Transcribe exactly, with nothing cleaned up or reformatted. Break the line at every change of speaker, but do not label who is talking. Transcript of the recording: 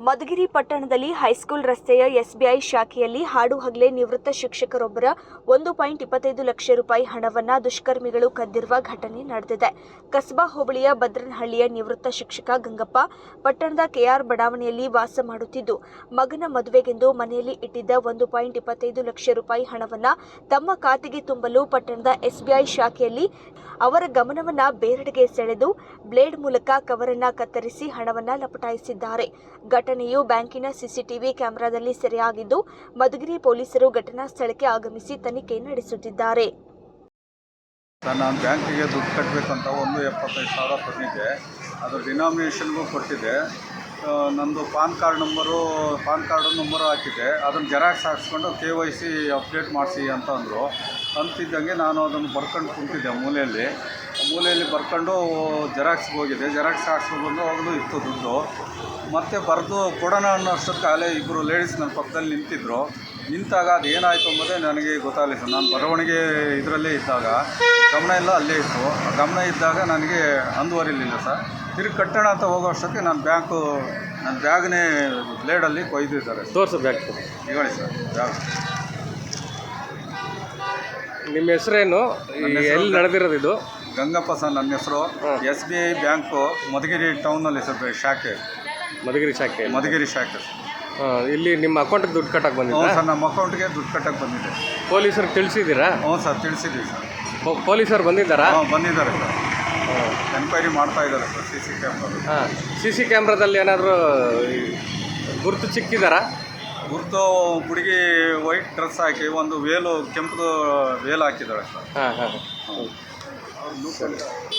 ಮಧುಗಿರಿ ಪಟ್ಟಣದಲ್ಲಿ ಹೈಸ್ಕೂಲ್ ರಸ್ತೆಯ ಎಸ್ಬಿಐ ಶಾಖೆಯಲ್ಲಿ ಹಾಡು ಹಗಲೇ ನಿವೃತ್ತ ಶಿಕ್ಷಕರೊಬ್ಬರ ಒಂದು ಪಾಯಿಂಟ್ ಇಪ್ಪತ್ತೈದು ಲಕ್ಷ ರೂಪಾಯಿ ಹಣವನ್ನು ದುಷ್ಕರ್ಮಿಗಳು ಕದ್ದಿರುವ ಘಟನೆ ನಡೆದಿದೆ. ಕಸಬಾ ಹೋಬಳಿಯ ಭದ್ರನಹಳ್ಳಿಯ ನಿವೃತ್ತ ಶಿಕ್ಷಕ ಗಂಗಪ್ಪ ಪಟ್ಟಣದ ಕೆಆರ್ ಬಡಾವಣೆಯಲ್ಲಿ ವಾಸ ಮಾಡುತ್ತಿದ್ದು, ಮಗನ ಮದುವೆಗೆಂದು ಮನೆಯಲ್ಲಿ ಇಟ್ಟಿದ್ದ ಒಂದು ಪಾಯಿಂಟ್ ಇಪ್ಪತ್ತೈದು ಲಕ್ಷ ರೂಪಾಯಿ ಹಣವನ್ನು ತಮ್ಮ ಖಾತೆಗೆ ತುಂಬಲು ಪಟ್ಟಣದ ಎಸ್ಬಿಐ ಶಾಖೆಯಲ್ಲಿ ಅವರ ಗಮನವನ್ನು ಬೇರೆಡೆಗೆ ಸೆಳೆದು ಬ್ಲೇಡ್ ಮೂಲಕ ಕವರನ್ನು ಕತ್ತರಿಸಿ ಹಣವನ್ನು ಲಪಟಾಯಿಸಿದ್ದಾರೆ. ಘಟನೆಯು ಬ್ಯಾಂಕಿನ ಸಿಸಿಟಿವಿ ಕ್ಯಾಮೆರಾದಲ್ಲಿ ಸೆರೆಯಾಗಿದ್ದು, ಮಧುಗಿರಿ ಪೊಲೀಸರು ಘಟನಾ ಸ್ಥಳಕ್ಕೆ ಆಗಮಿಸಿ ತನಿಖೆ ನಡೆಸುತ್ತಿದ್ದಾರೆ.
ನಾನು ಬ್ಯಾಂಕಿಗೆ ದುಡ್ಡು ಕಟ್ಟಬೇಕಂತ ಒಂದು ಎಪ್ಪತ್ತೈದು ಸಾವಿರ ತಂದಿದ್ದೆ. ಅದರ ಡಿನಾಮಿನೇಷನ್ಗೂ ಕೊಟ್ಟಿದ್ದೆ. ನಂದು pan card number pan card number ಹಾಕಿದ್ದೆ. ಅದನ್ನು ಜೆರಾಕ್ಸ್ ಹಾಕ್ಸ್ಕೊಂಡು ಕೆ ವೈ ಸಿ ಅಪ್ಡೇಟ್ ಮಾಡಿಸಿ ಅಂತ ಅಂದರು. ಅಂತಿದ್ದಂಗೆ ನಾನು ಅದನ್ನು ಬರ್ಕೊಂಡು ಕುಂತಿದ್ದೆ ಮೂಲೆಯಲ್ಲಿ ಮೂಲೆಯಲ್ಲಿ ಬರ್ಕೊಂಡು ಜೆರಾಕ್ಸ್ಗೆ ಹೋಗಿದ್ದೆ. ಜೆರಾಕ್ಸ್ ಹಾಕ್ಸ್ಕೊಂಡು ಬಂದು ಅವಾಗಲೂ ಇತ್ತು ದುಡ್ಡು. ಮತ್ತೆ ಬರೆದು ಕೊಡೋಣ ಅನ್ನೋ ಅಷ್ಟೊತ್ತಿಗೆ ಅಲ್ಲೇ ಇಬ್ಬರು ಲೇಡೀಸ್ ನನ್ನ ಪಕ್ಕದಲ್ಲಿ ನಿಂತಿದ್ದರು. ನಿಂತಾಗ ಅದು ಏನಾಯಿತು ಎಂಬುದೇ ನನಗೆ ಗೊತ್ತಾಗಲಿಲ್ಲ ಸರ್. ನಾನು ಬರವಣಿಗೆ ಇದರಲ್ಲೇ ಇದ್ದಾಗ ಗಮನ ಎಲ್ಲ ಅಲ್ಲೇ ಇತ್ತು. ಗಮನ ಇದ್ದಾಗ ನನಗೆ ಅಂದುವರಿಲಿಲ್ಲ ಸರ್. ತಿರುಗಿ ಕಟ್ಟೋಣ ಅಂತ ಹೋಗೋ ಅಷ್ಟೊತ್ತಿಗೆ ನಾನು ಬ್ಯಾಂಕು ನನ್ನ ಬ್ಯಾಗ್ನೇ ಬ್ಲೇಡಲ್ಲಿ ಕೊಯ್ದಿದ್ದಾರೆ.
ತೋರಿಸು ಬ್ಯಾಗ್
ಹೇಳಿ ಸರ್. ಬ್ಯಾಗ್
ನಿಮ್ಮ ಹೆಸರೇನು? ಎಲ್ಲಿ ನಡೆದಿರೋದು ಇದು?
ಗಂಗಪ್ಪ ಸರ್ ನನ್ನ ಹೆಸರು. S B I bank Madhugiri ಟೌನಲ್ಲಿ ಸರ್, ಶಾಖೆ
ಮಧುಗಿರಿ ಶಾಖೆ.
ಮಧುಗಿರಿ ಶಾಖೆ
ಇಲ್ಲಿ ನಿಮ್ಮ ಅಕೌಂಟಿಗೆ ದುಡ್ಡು ಕಟ್ಟಕ್ಕೆ ಬಂದಿದೆ?
ಹ್ಞೂ ಸರ್, ನಮ್ಮ ಅಕೌಂಟ್ಗೆ ದುಡ್ಡು ಕಟ್ಟಕ್ಕೆ ಬಂದಿದೆ.
ಪೊಲೀಸರಿಗೆ ತಿಳಿಸಿದ್ದೀರಾ?
ಹ್ಞೂ ಸರ್, ತಿಳಿಸಿದ್ದೀವಿ ಸರ್.
ಪೊಲೀಸರು ಬಂದಿದ್ದಾರಾ?
ಹಾಂ, ಬಂದಿದ್ದಾರೆ ಸರ್. ಎನ್ಕ್ವೈರಿ ಮಾಡ್ತಾ ಇದ್ದಾರೆ ಸರ್ ಸಿ ಸಿ ಕ್ಯಾಮ್ರಾ.
ಹಾಂ, ಸಿ ಸಿ ಕ್ಯಾಮ್ರಾದಲ್ಲಿ ಏನಾದರೂ ಗುರುತು ಸಿಕ್ಕಿದಾರಾ?
ಗುರುತು ಹುಡುಗಿ ವೈಟ್ ಡ್ರೆಸ್ ಹಾಕಿ ಒಂದು ವೇಲು ಕೆಂಪು ವೇಲ್ ಹಾಕಿದ್ದಾಳೆ ಸರ್.
ಹಾಂ ಹಾಂ
ಹಾಂ